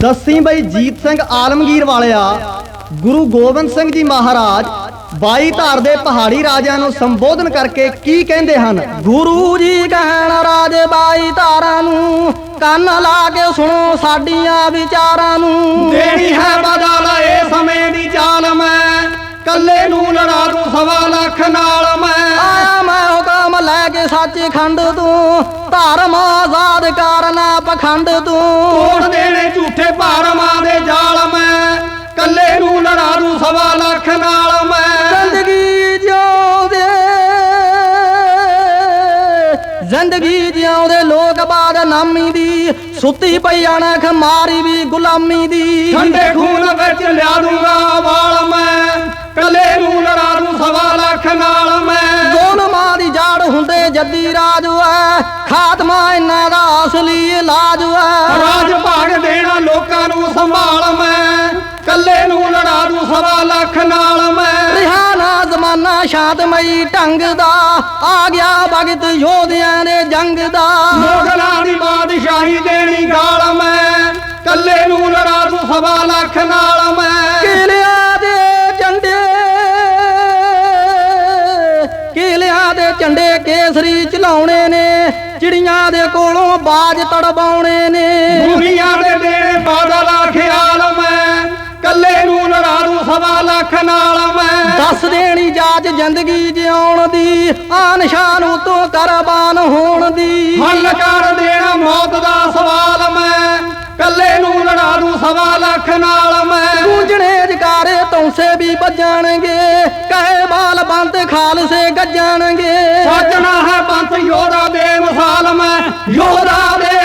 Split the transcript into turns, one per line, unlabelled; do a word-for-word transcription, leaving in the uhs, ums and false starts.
दसी बई जीत सिंह आलमगीर वालिया गुरु गोबिंद सिंह जी महाराज बाई धार दे पहाड़ी राजियां नूं संबोधन करके की कहंदे हन।
गुरु जी कहण राजे बाई धारां नूं ਕੰਨ ਲਾ ਕੇ सुनो साडियां विचारां नूं।
देनी है बदल ए समय दी चाल मैं कल्ले नूं लड़ा दूं सवा लख नाल मैं।
आया मैं हुकम लैके सचखंड तूं धर्म आजाद करना पखंड तूं।
तोड़ देने झूठे भरमां दे जाल मैं कल्ले नूं लड़ा दूं सवा लख नाल मैं।
जिंदगी जिउंदे जिंदगी जिउंदे लोग बाद नामी दी सुती पई अणख मारी भी गुलामी दी।
ठंडे खून विच लिया दूंगा वाल मैं कल्ले नूं लड़ा दूं सवा लख नाल मैं।
ज़ुल्मां दी जड़ हुंदे जद्दी राज है खात्मा इन्हां दा असली इलाज है।
राज भाग देना लोकां नूं संभाल मैं कल्ले नूं लड़ा दूं सवा लख नाल मैं।
रिहाना जमाना शांतमई ढंग दा आ गया वक्त योधियां दे जंग दा।
मुगलां दी बादशाही देनी गाल मैं कल्ले नूं लड़ा दूं सवा लख नाल मैं।
किलिया दे झंडे किलिया दे झंडे केसरी चलाउणे ने चिड़ियां दे कोलों बाज तड़बाउणे ने।
दुनिया दे देने बादल ख्याल मैं कल्ले नूं लड़ा दूं सवा लख नाल मैं।
दस देनी जाच जिंदगी जिउण दी आन शान उतों करबान होण दी।
हल कर देना मौत दा सवाल मैं कल्ले नूं लड़ा दूं सवा लख नाल मैं।
गूंजणे जकारे तौंसे भी बजणगे कहे बाल बंद खालसे गजणगे।
सजना है पंथ योधा बेमिसाल मैं योधा दे